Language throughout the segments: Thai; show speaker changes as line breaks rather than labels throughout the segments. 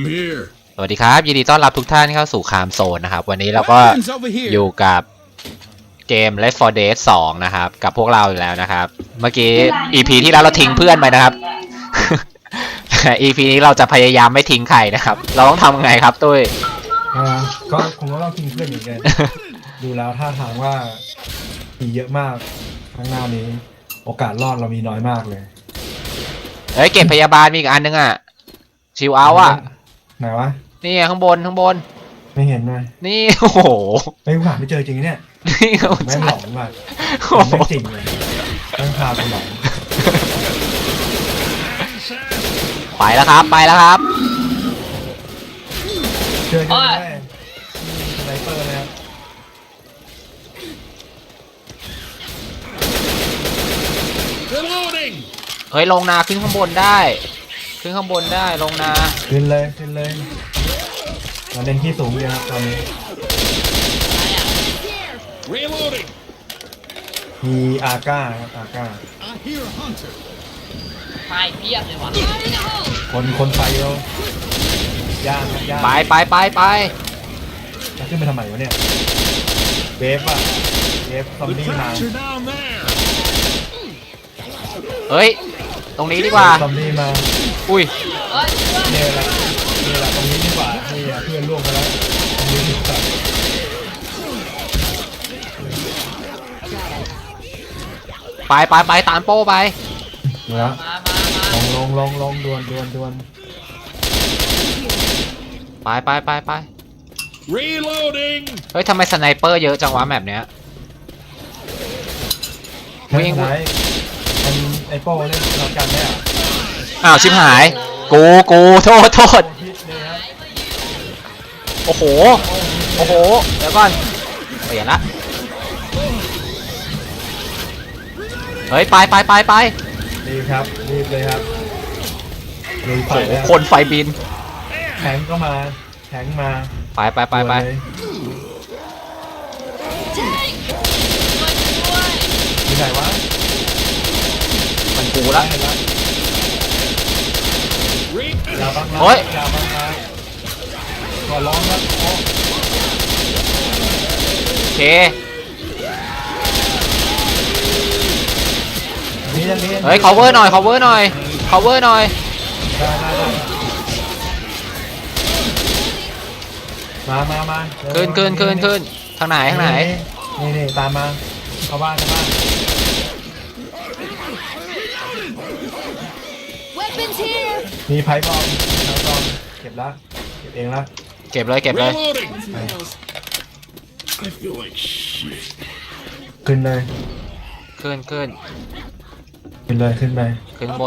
สวัสดีครับยินดีต้อนรับทุกท่านเข้าสู่คามโซนนะครับวันนี้เราก็อยู่กับเกม Left 4 Dead 2นะครับกับพวกเราอยู่แล้วนะครับเมื่อกี้ EP ที่แล้วเราทิ้งเพื่อนไปนะครับ แต่ EP นี้เราจะพยายามไม่ทิ้งใครนะครับเราต้องทำยังไงครับตุ้ย
ก็คงต้องทิ้งเพื่อนเหมือนกัน ดูแล้วท่าทางว่ามีเยอะมากข้างหน้านี้โอกาสรอดเรามีน้อยมากเลย
เฮ้ยเก็บพยาบาลมีอีกอันนึงอ่ะชิวเอาท์อ่ะ
ไหนวะ
นี่ข้างบน
ไม่เห็นเลย
นี่โอ้โห
ไม่หาไม่เจอจริงเนี่ย
นี่เขา
แม่งหลอนว่ะไม่จริงเลยแม่งพาไปหลอน
ไปแล้วครับ
เจอกันแน่สไนเปอร์เลยครับ
เฮ้ยลงนาขึ้นข้างบนได้ลงนา
ขึ้นเลยเราเล่นที่สูงเลยครับตอนนี้มีอาก้าครับอาก้า
ไฟเพียบเลยว่ะ
คนไฟเราย่างครับย่าง
ไป
จะขึ้นไปทำไมวะเนี่ยเวฟอะเวฟซอมบี้มา
เฮ้ยตรงนี้ดีกว่า
ซอมบี้มา
อุ้ย
เนี่ยแหละตรงนี้ดีกว่านี่เพื่อนร่วมกันแล้วตรงนี้ดีกว่า
ไปตามโป้ไป
ดูแล้ว
มา
ลงดวน
ไปเฮ้ยทำไมสไนเปอร์เยอะจังวะแบบเนี้ย
วิ่งไหนมันไอโป้เนี่ยเรากันได้อะ
อ้าวชิบหายกูโทษ
พิษเลยครับ
โอ้โหเดี๋ยวก่อนเปลี่ยนละเฮ้ยไป
รีบครับรีบเลยครับรีบไป
โอ้โห
แล้ว
คนไฟบิน
แทงก็มาแทงมา
ไป
เลยที่ไหนวะ
มันกูละ
ได้แล้วอย่าบังนะ
โอ้ย
อย่าบังนะขอร้องครับโอ้
โอเค
นี่ยัง
เฮ้ย cover หน่อย
ได้มา
ขึ้นทางไหน
นี่ตามมาเข้าบ้านมีไพ่บอมแล้วบอมเก็บเองละ
เก็บเลย
ขึ้นเลย
ขึ้น
ขึ้นไป
ขึ้นบน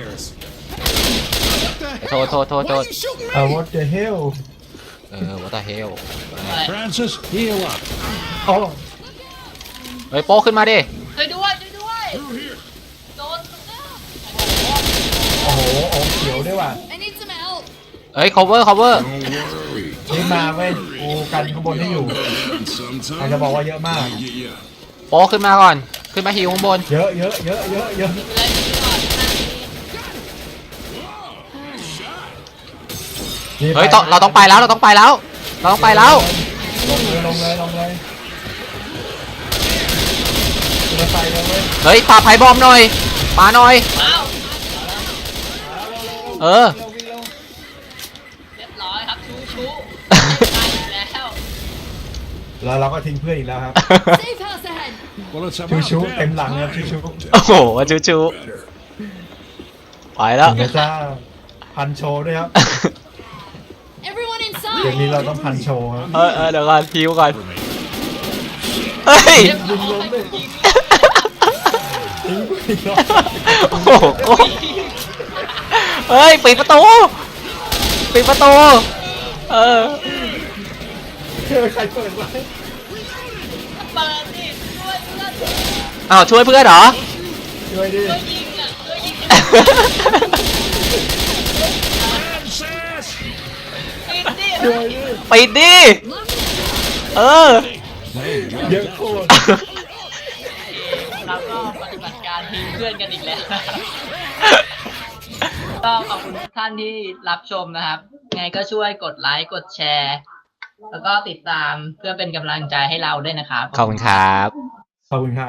โทษ
what the hell
what the hell
Francis, heal up.
โอ้
เฮ้ยโป้ขึ้นมาดิ
ช่วยด้วยโดน
โหเขียวด้วยว่ะ
เฮ้ย cover
Don't worry.
นี่มาเว้ยกูกันข้างบนให้อยู่
Sometime
อาจจะบอกว่าเยอะมาก
get ya.
โป้ขึ้นมาก่อนขึ้นมาฮิวข้างบน
เยอะ
เลยก่อน
เฮ้ยเราต้องไปแล้วลง
เลยจะไปเลยเว้ย
เฮ้ยปาไพ่บอมหน่อยปาหน่อย
อ้าว
เออ
เรียบร้อยครับชูตายอีกแล้ว
แล้วเราก็ทิ้งเพื่อนอีกแล้วครับ
Well, it's
ชู
about
เต็ม
damn
หลังครับ
time.
ชู
โอ้โหชู
Better.
ไปแล้ว
ถึงจะจ้าพันโชว์ด้วยครับเดี๋ยวนี้เราต้องพันโชว์ครับ
เดี๋ยวก่อนฮิวก่อนเฮ้ย
ยิงลงเลยทิ้งเพื่อนอีกรอบ
โอ้โหเฮ้ยปิดประตู
ใครเปิดไว้
เปิดดิช่วย
อ้าวช่วยเพื่อนเหรอ
ช่วยดิ
ยิงอ่ะช่วยยิง
Francis!
ปิดดิ
ปิดดิเออ
เยอะโคตร
เราก็ปฏิบัติการทีมเพื่อนกันอีกแล้ว ก็ขอบคุณทุกท่านที่รับชมนะครับไงก็ช่วยกดไลค์กดแชร์ แล้วก็ติดตามเพื่อเป็นกำลังใจให้เราด้วยนะครับ
ขอบคุณครับ
ขอบคุณครับ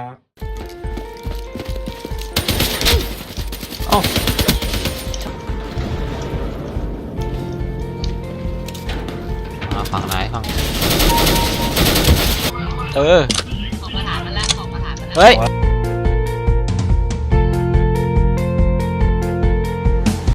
ฝั่งไหนฝั่งออกมาฐานมันแล้วออกมาฐานมันแล้ว
เฮ้ย